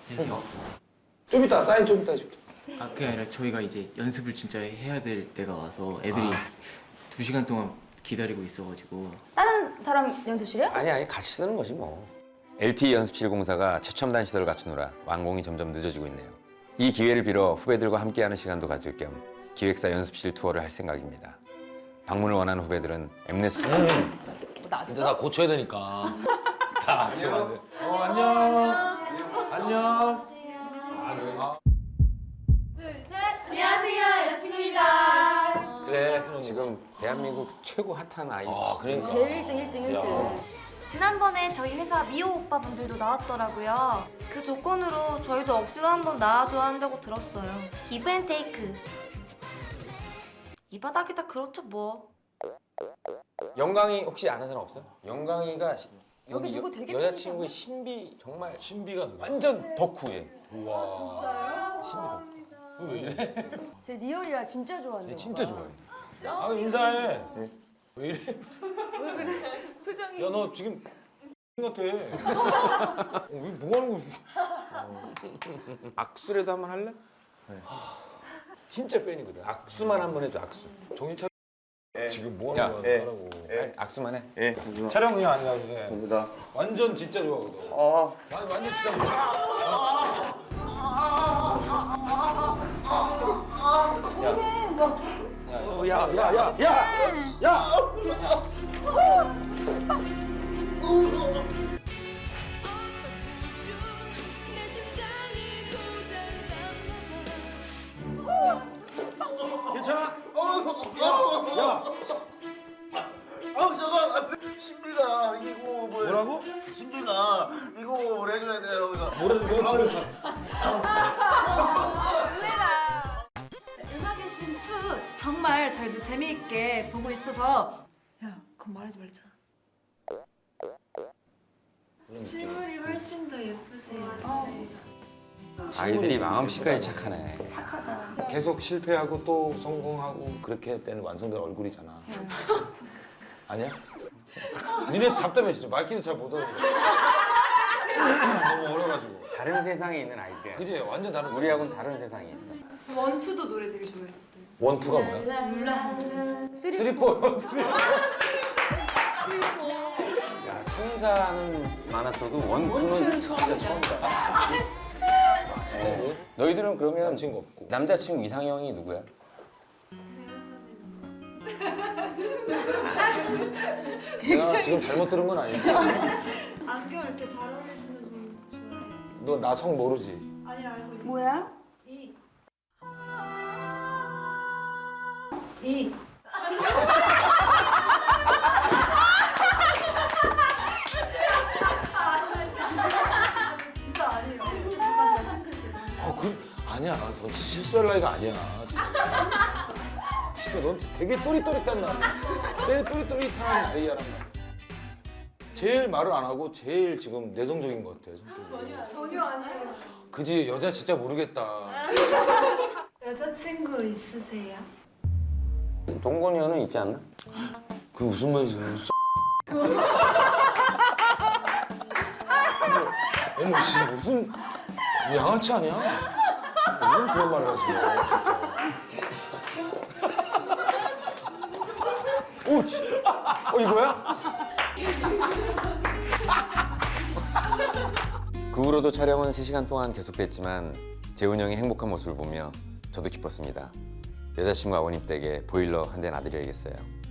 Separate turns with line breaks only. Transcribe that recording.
좀 이따 사인 좀 이따 해줄게.
아 그게 아니라 저희가 이제 연습을 진짜 해야 될 때가 와서 애들이 2시간 동안 기다리고 있어가지고.
다른 사람 연습실이요?
아니 같이 쓰는 거지 뭐.
LTE 연습실 공사가 최첨단 시설을 갖추느라 완공이 점점 늦어지고 있네요. 이 기회를 빌어 후배들과 함께하는 시간도 가질 겸 기획사 연습실 투어를 할 생각입니다. 방문을 원하는 후배들은 엠넷
뭐
근데
났어?
다 고쳐야 되니까. 다 지금 완전.
안녕.
안녕하세요, 여자친구입니다.
그래 지금 대한민국 최고 핫한 아이.
그러니까.
제일 1등, 1등, 1등.
지난번에 저희 회사 미호 오빠분들도 나왔더라고요. 그 조건으로 저희도 억지로 한번 나와줘야 한다고 들었어요. 기브 앤 테이크. 이 바닥이다 그렇죠 뭐.
영광이 혹시 아는 사람 없어? 영광이가
여기 누구 되게
여자친구의 신비 정말
신비가 누구야?
완전 덕후예.
우와.
신비 덕후.
왜 이래?
제 리얼이라 진짜 좋아하는
얘 진짜 좋아해.
아 인사해. 왜 이래? 왜 그래? 표정이. 야 너 지금 같아. 뭐 하는 거야?
악수라도 한번 할래? 진짜 팬이거든. 악수만 한번 해줘. 악수.
정신 차려. 지금 뭐
야,
하는 거야? 하라고.
빨리 악수만 해.
예,
촬영이 아니라 그게.
감사합니다.
완전 진짜 좋아하거든. 완전 진짜 좋아. 괜찮아?
잠깐 신비가 이거
뭐라고?
신비가 이거 뭘 해줘야 돼요.
뭐라는 거야 지금?
음악의 신 2 정말 저희도 재미있게 보고 있어서. 야, 그건 말하지 말자. 실물이 훨씬 더 예쁘세요.
아이들이 마음씨까지 착하네.
착하다.
계속 실패하고 또 성공하고 그렇게 할 때는 완성된 얼굴이잖아. 아니야?
니네 답답해 진짜 말귀도 잘 못하는 거야. 너무 어려가지고.
다른 세상에 있는 아이들이야.
그지? 완전 다른 세상.
우리하고는 다른 세상에 있어.
원투도 노래 되게 좋아했었어요.
원투가 뭐야? 쓰리포.
야, 3, 4는 많았어도 원투는 진짜 처음이다.
진짜 뭐?
너희들은 그러면
남친구 없고.
남자친구 이상형이 누구야?
내가 지금 잘못 들은 건 아니지?
안경 이렇게 잘 어울리시는 분 좋아해요.
너 나 성 모르지?
아니 알고 있어요.
뭐야?
이. 진짜 아니에요. 제가 실수했어요.
아니야. 넌 실수할 나이가 아니야. 진짜 넌 되게 또릿또릿한 나이. 되게 또릿또릿한 아이야란 말이야. 제일 말을 안 하고 제일 지금 내성적인 것 같아. 성격이.
전혀 아니에요.
그지? 여자 진짜 모르겠다.
여자친구 있으세요?
동건이는 있지 않나?
그게 무슨 말이지? 어머 씨 무슨 양아치 아니야? 무슨 그런 말을 하세요 진짜. 오, 이거야?
그 후로도 촬영은 3시간 동안 계속됐지만 재훈 형의 행복한 모습을 보며 저도 기뻤습니다. 여자친구 아버님 댁에 보일러 한 대 놔드려야겠어요.